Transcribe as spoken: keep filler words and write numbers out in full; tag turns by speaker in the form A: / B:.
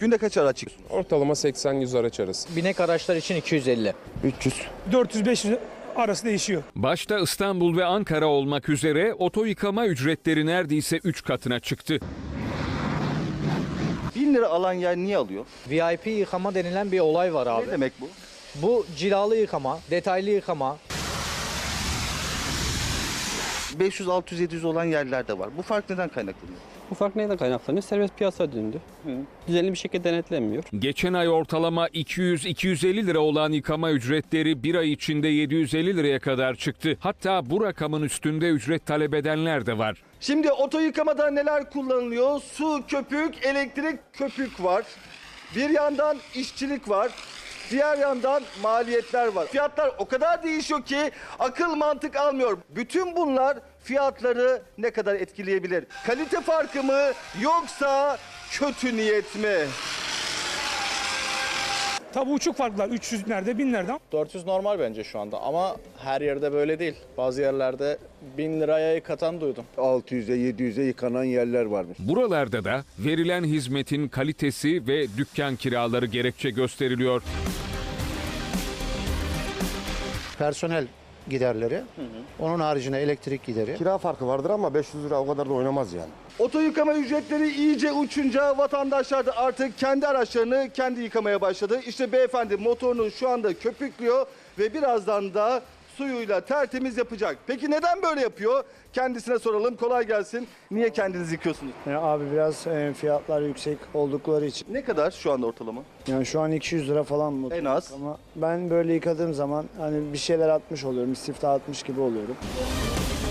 A: Günde kaç araç çıkıyorsunuz?
B: Ortalama seksen yüz araç arası.
C: Binek araçlar için iki yüz elli.
D: üç yüz.
E: dört yüz beş yüz arası değişiyor.
F: Başta İstanbul ve Ankara olmak üzere oto yıkama ücretleri neredeyse üç katına çıktı.
A: bin lira alan yer niye alıyor?
C: V I P yıkama denilen bir olay var abi.
A: Ne demek bu?
C: Bu cilalı yıkama, detaylı yıkama.
A: beş yüz, altı yüz, yedi yüz olan yerler de var. Bu fark neden kaynaklanıyor?
D: Bu fark neyden kaynaklanıyor? Serbest piyasa döndü. Düzenli bir şekilde denetlenmiyor.
F: Geçen ay ortalama iki yüz iki yüz elli lira olan yıkama ücretleri bir ay içinde yedi yüz elli liraya kadar çıktı. Hatta bu rakamın üstünde ücret talep edenler de var.
A: Şimdi oto yıkamada neler kullanılıyor? Su, köpük, elektrik, köpük var. Bir yandan işçilik var. Diğer yandan maliyetler var. Fiyatlar o kadar değişiyor ki akıl mantık almıyor. Bütün bunlar fiyatları ne kadar etkileyebilir? Kalite farkı mı yoksa kötü niyet mi?
E: Tabi uçuk farklar üç yüz nerede bin nerede.
G: dört yüz normal bence şu anda ama her yerde böyle değil. Bazı yerlerde bin liraya yıkatan duydum.
H: altı yüze yedi yüze yıkanan yerler varmış.
F: Buralarda da verilen hizmetin kalitesi ve dükkan kiraları gerekçe gösteriliyor.
I: Personel giderleri, onun haricinde elektrik gideri.
H: Kira farkı vardır ama beş yüz lira o kadar da oynamaz yani.
A: Oto yıkama ücretleri iyice uçunca vatandaşlar da artık kendi araçlarını kendi yıkamaya başladı. İşte beyefendi motorunu şu anda köpüklüyor ve birazdan da suyuyla tertemiz yapacak. Peki neden böyle yapıyor? Kendisine soralım. Kolay gelsin. Niye kendiniz yıkıyorsunuz?
J: Yani abi biraz e, fiyatlar yüksek oldukları için.
A: Ne kadar şu anda ortalama?
J: Yani şu an iki yüz lira falan mı?
A: En az.
J: Ama ben böyle yıkadığım zaman hani bir şeyler atmış oluyorum, istifta atmış gibi oluyorum.